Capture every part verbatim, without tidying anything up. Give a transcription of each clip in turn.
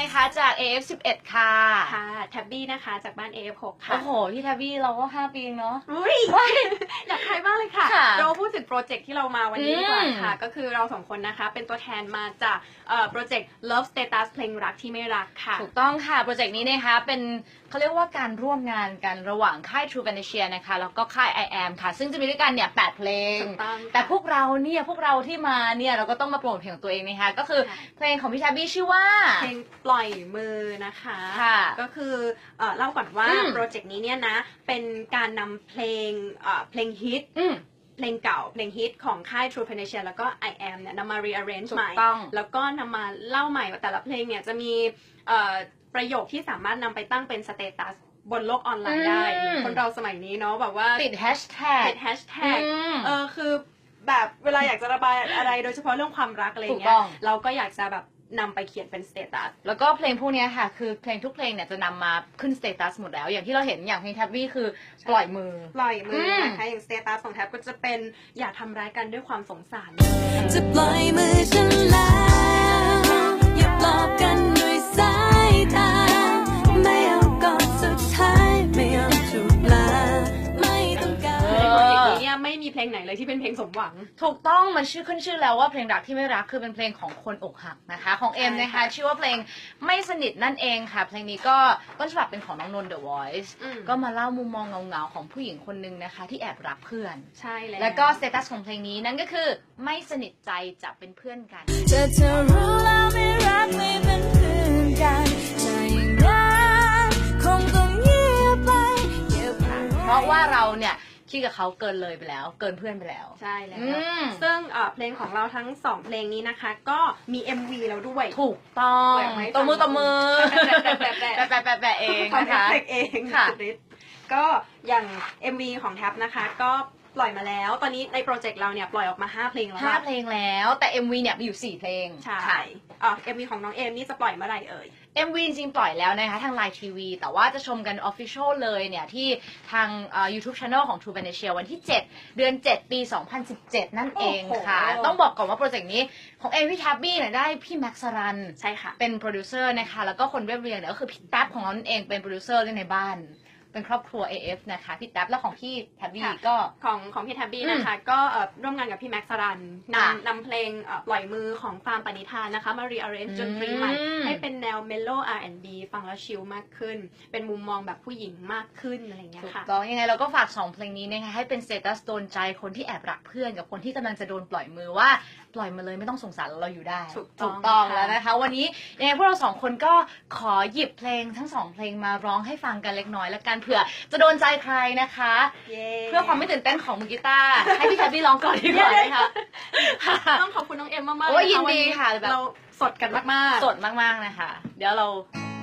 นะคะจาก เอ เอฟ สิบเอ็ด ค่ะค่ะแท็บบี้นะคะจากบ้าน เอ เอฟ หก ค่ะโอ้โหพี่แท็บบี้เราก็ห้าปีเนาะอุ้ยอยากใครบ้างเลยค่ะเราพูดถึงโปรเจกต์ที่เรามาวันนี้ดีกว่าค่ะก็คือเราสองคนนะคะเป็นตัวแทนมาจากโปรเจกต์ Love Status เพลงรักที่ไม่รักค่ะถูกต้องค่ะโปรเจกต์นี้นะคะเป็นเขาเรียกว่าการร่วมงานกันระหว่างค่าย True Fantasia นะคะแล้วก็ค่าย I am ค่ะซึ่งจะมีด้วยกันเนี่ยแปดเพลงแต่พวกเราเนี่ยพวกเราที่มาเนี่ยเราก็ต้องมาโปรโมทเพลงของตัวเองนะคะก็คือเพลงของพี่แท็บบี้ชื่อว่าเพลงปล่อยมือนะคะก็คือเล่าก่อนว่าโปรเจกต์นี้เนี่ยนะเป็นการนำเพลงเพลงฮิตเพลงเก่าเพลงฮิตของค่าย True Fantasia แล้วก็ I am เนี่ยนำมา rearrange ใหม่แล้วก็นำมาเล่าใหม่ว่าแต่ละเพลงเนี่ยจะมีประโยคที่สามารถนำไปตั้งเป็นสเตตัสบนโลกออนไลน์ได้คนเราสมัยนี้เนาะแบบว่าติดแฮชแท็กติดแฮชแท็กเออคือแบบเวลาอยากจะระบายอะไรโดยเฉพาะเรื่องความรักอะไรเงี้ยเราก็อยากจะแบบนำไปเขียนเป็นสเตตัสแล้วก็เพลงพวกนี้ค่ะคือเพลงทุกเพลงเนี่ยจะนำมาขึ้นสเตตัสหมดแล้วอย่างที่เราเห็นอย่างเพลงแท็บบี้คือปล่อยมือปล่อยมือนะคะอย่างสเตตัสของแท็บก็จะเป็นอย่าทำร้ายกันด้วยความสงสารจะปล่อยมือฉันแล้วอย่าปลอบกันด้วยสายตาไม่เอาก่อนสุดท้ายไม่เอาจูบลาไม่ต้องการในโปรเจกต์นี้เนี่ยไม่มีเพลงไหนเลยที่เป็นเพลงสมหวังถูกต้องมันชื่อขึ้นชื่อแล้วว่าเพลงรักที่ไม่รักคือเป็นเพลงของคนอกหักนะคะของเอ็มนะคะชื่อว่าเพลงไม่สนิทนั่นเองค่ะเพลงนี้ก็ต้นฉบับเป็นของน้องนนท์ The Voice ก็มาเล่ามุมมองเงาๆของผู้หญิงคนนึงนะคะที่แอบรักเพื่อนใช่แล้วแล้วก็สเตตัสของเพลงนี้นั่นก็คือไม่สนิทใจจะเป็นเพื่อนกันเธอเธอรู้แล้วไม่รักไม่เป็นเพื่อนกันจะอย่างนั้นคงต้องเงียบไปเพราะว่าเราเนี่ยคิดกับเขาเกินเลยไปแล้วเกินเพื่อนไปแล้วใช่แล้วซึ่งเพลงของเราทั้งสองเพลงนี้นะคะก็มี เอ็ม วี แล้วด้วยถูกต้องตบมือตบมือแปะแปะแปะแปะแปะเองนะคะเองค่ะก็อย่าง เอ็ม วี ของแท็บนะคะก็ปล่อยมาแล้วตอนนี้ในโปรเจกต์เราเนี่ยปล่อยออกมาห้าเพลงแล้วห้าเพลงแล้วแต่ เอ็ม วี เนี่ยมีอยู่สี่เพลงใช่อ๋อ เอ็ม วี ของน้องเอมนี่จะปล่อยเมื่อไหร่เอ่ยเอ็ม วี จริงๆปล่อยแล้วนะคะทาง Line ที วี แต่ว่าจะชมกัน Official เลยเนี่ยที่ทาง YouTube Channel ของ True Fantasia วันที่เจ็ดเดือนเจ็ดปีสองพันสิบเจ็ดนั่นเองค่ะต้องบอกก่อนว่าโปรเจกต์นี้ของเอมพี่แท็บบี้เนี่ยได้พี่แม็กซ์สรันใช่ค่ะเป็นโปรดิวเซอร์นะคะแล้วก็คนเรียบเรียงเนี่ยก็คือพี่แท็บของเรานั่นเองเป็นโปรดิวเซอร์ในบ้านเป็นครอบครัว เอ เอฟ นะคะพี่แท็บแล้วของพี่แท็บบี้ก็ของของพี่แท็บบี้นะคะก็ร่วมงานกับพี่แม็กซ์สรันนำนำเพลงปล่อยมือของฟาร์มปณิธานนะคะมา rearrange ดนตรีใหม่ให้เป็นแนว mellow อาร์ แอนด์ บี ฟังแล้วชิลมากขึ้นเป็นมุมมองแบบผู้หญิงมากขึ้นอะไรอย่างเงี้ยค่ะถูกต้องยังไงเราก็ฝากสองเพลงนี้นะคะให้เป็นสเตตัสโดนใจคนที่แอบรักเพื่อนกับคนที่กำลังจะโดนปล่อยมือว่าปล่อยมาเลยไม่ต้องสงสารเราอยู่ได้ถูกต้องแล้วนะคะวันนี้ยังไงพวกเราสองคนก็ขอหยิบเพลงทั้งสองเพลงมาร้องให้ฟังกันเล็กน้อยแล้วกันเผื่อจะโดนใจใครนะคะเพื่อความไม่ตื่นเต้นของมือกีตาร์ให้พี่แท็บบี้ร้องก่อนดีกว่านะคะต้องขอบคุณน้องเอ็มมากๆโอ้ยินดีค่ะเราสดกันมากๆสดมากๆนะคะเดี๋ยวเรา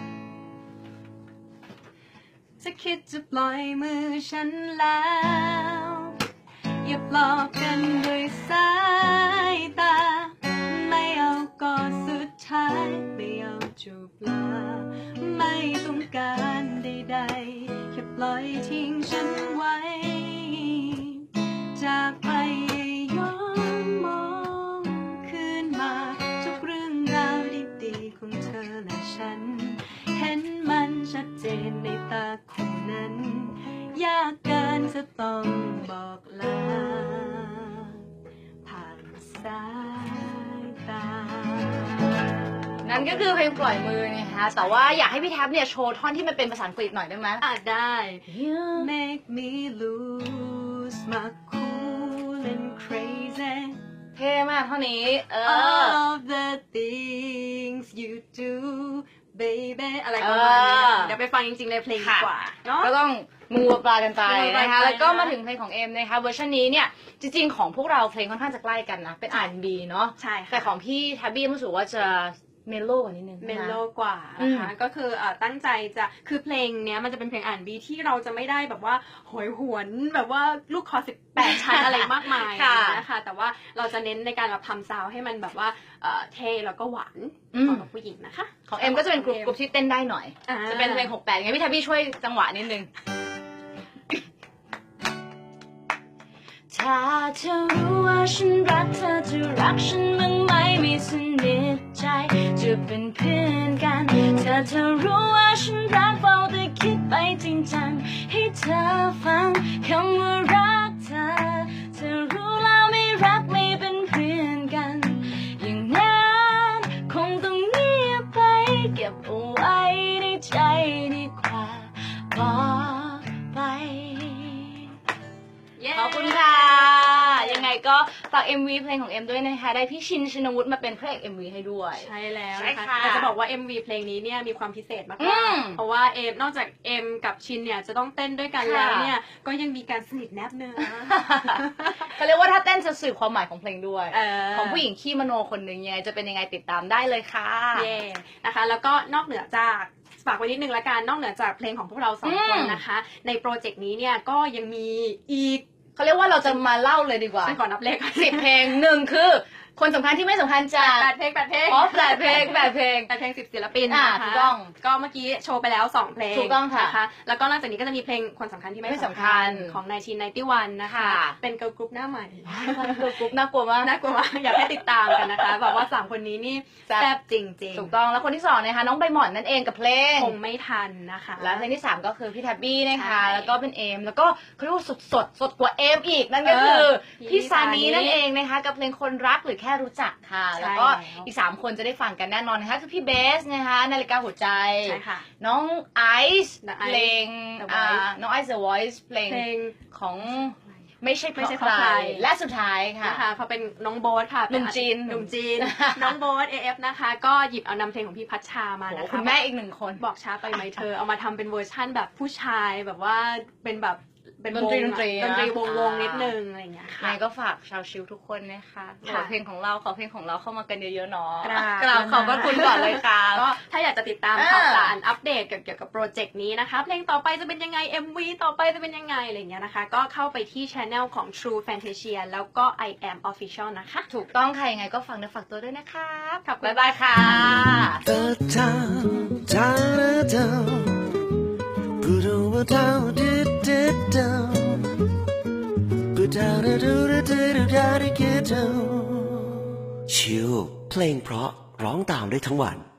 จะคิดจะปล่อยมือฉันแล้วอย่าปลอบกันด้วยสายตาไม่เอากอดสุดท้ายไม่เอาจูบลาไม่ต้องการใดๆแค่ปล่อยทิ้งฉันไว้จากไปย้อนมองคืนมาทุกเรื่องราวดีๆของเธอและฉันเห็นมันชัดเจนในตาคู่นั้นยากเกินจะต้องบอกลาผ่านสายตานั่นก็คือเพลงปล่อยมือนะคะแต่ว่าอยากให้พี่แท็บเนี่ยโชว์ท่อนที่มันเป็นภาษาอังกฤษหน่อยได้ไหมอ่ะได้ You make me lose my cool and crazy เท่มากเท่านี้เออ All of the things you do baby อะไรประมาณนี้เดี๋ยวไปฟังจริงๆในเพลงดีกว่าเนาะก็ต้องมูปลากันไปนะคะแล้วก็มาถึงเพลงของเอ็มนะคะเวอร์ชันนี้เนี่ยจริงๆของพวกเราเพลงค่อนข้างจะใกล้กันนะเป็น อาร์ แอนด์ บี เนาะใช่ค่ะแต่ของพี่แท็บบี้รู้สึกว่าจะเมโลกว่านิดนึงเมโลกว่านะคะก็คือตั้งใจจะคือเพลงเนี้ยมันจะเป็นเพลง อาร์ แอนด์ บี ที่เราจะไม่ได้แบบว่าโหยหวนแบบว่าลูกคอสิบแปดชั้นอะไรมากมายนะคะแต่ว่าเราจะเน้นในการแบบทำซาวให้มันแบบว่าเท่แล้วก็หวานเหมาะกับผู้หญิงนะคะของเอ็มก็จะเป็นกลุ่มกลุ่มที่เต้นได้หน่อยจะเป็นเพลงหกแปดไงพี่แท็บบี้ช่วยจังหวะนิดนึงถ้าเธอรู้ว่าฉันรักเธอจะรักฉันบ้างไหมไม่สนิทใจจะเป็นเพื่อนกันแต่เธอรู้ว่าฉันรักเฝ้าแต่คิดไปจริงจังให้เธอฟังคำว่ารักเธอเธอรู้แล้วไม่รักไม่เป็นเพื่อนกันอย่างนั้นคงต้องเงียบไปเก็บเอาไว้ในใจดีกว่าบอกไป ขอบคุณค่ะ ยังไงก็ฝาก เอ็ม วี เพลงของเอ็มด้วยนะคะได้พี่ชินชินวุฒิมาเป็นพระเอก เอ็ม วี ให้ด้วยใช่แล้วใช่นะคะค่ะแต่จะบอกว่า เอ็ม วี เพลงนี้เนี่ยมีความพิเศษมาอืกมๆเพราะว่าเอมนอกจากเอ็มกับชินเนี่ยจะต้องเต้นด้วยกันค่ะแล้วเนี่ยก็ยังมีการสนิทแนบเนื้อเขาเรียกว่าถ้าเต้นจะสื่อความหมายของเพลงด้วยเออของผู้หญิงขี้มโนคนหนึ่งยังไงจะเป็นยังไงติดตามได้เลยค่ะเย่นะคะแล้วก็นอกเหนือจากฝากไว้นิดนึงละกันนอกเหนือจากเพลงของพวกเราสองอืมคนนะคะในโปรเจกต์นี้เนี่ยก็ยังมีอีกเขาเรียกว่าเราจะมาเล่าเลยดีกว่าฉันก่อนนับเลขสิบเพลงหนึ่งคือ คนสำคัญที่ไม่สำคัญจากแปดเพลงแปดเพลงอ๋อแปดเพลงแปดเพลงแปดเพลงสิบศิลปินอ่านะคะถูกต้องก็เมื่อกี้โชว์ไปแล้วสองเพลงถูกต้องค่ะนะคะแล้วก็นอกจากนี้ก็จะมีเพลงคนสำคัญที่ไม่ไม่สำสำคัคัญญของนายชินไนตี้วันนะคะค่ะเป็นเกิร์ลกรุ๊ปหน้าใหม่ตัวกรุ๊ปน่ากลัวมากน่ากลัวมากอยากให้ติดตามกันนะคะบอกว่าสามคนนี้นี่แซ่บแซ่บจริงๆถูกต้องแล้วคนที่สองนะคะน้องใบหมอนนั่นเองกับเพลงคงไม่ทันนะคะแล้วเพลงที่สามก็คือพี่แท็บบี้นะคะใช่แล้วก็เป็นเอม แล้วก็เขาเรียกว่าสดสดสดกว่าเอมอีกนั่นก็คือเออพี่ซานีพี่ซานีนั่นเองนะคะ กับเพลงคนรักหรือแค่รู้จักค่ะใช่แล้วก็แล้วอีกสามคนจะได้ฟังกันแน่นอนนะคะคือพี่เบสนะคะนาฬิกาหัวใจใช่ค่ะน้องไอซ์ The เพลง The อ่า Voice น้องไอซ์ The Voice เพลงเพลงของไม่ใช่เพไม่ราะใช่เพใครราะใครและสุดท้ายค่ะนะคะเขาเป็นน้องโบ๊ทค่ะหนุ่มจีนหนุ่มจีน น้องโบ๊ท เอ เอฟ นะคะ ก็หยิบเอานำเพลงของพี่พัชชามาโอ้นะโหคะคุณแม่อีกหนึ่งคนบอกช้าไปไหมเธอ เอามาทำเป็นเวอร์ชั่นแบบผู้ชายแบบว่าเป็นแบบเป็นดนตรีวงดนตรีอะดนตรีวงวงอ่านินิดนึงอะไรอย่างเงี้ยยัค่ะงไงก็ฝากชาวชิวทุกคนนะคะขอค่ะเพลงของเราขอเพลงของเราเข้ามากันเยอะๆเนาะกราบกราบขอบพระคุณก่อนเลยค่ะก็ถ้าอยากจะติดตามอ่าข่าวสารอัปเดตเกี่ยวกับโปรเจกต์นี้นะคะ เพลงต่อไปจะเป็นยังไง เอ็ม วี ต่อไปจะเป็นยังไงอะไรอย่างเงี้ยนะคะ ก็เข้าไปที่ channel ของ True Fantasia แล้วก็ I am Official นะคะถูกต้องค่ะยังไงก็ฟังเนื้อฝากตัวด้วยนะครับขอบคุณบ๊ายบายค่ะ The town, down, down, put over down, did, did, down, put down, do, do, do, do, do, get down. ชิลเพลงเพราะร้องตามได้ทั้งวัน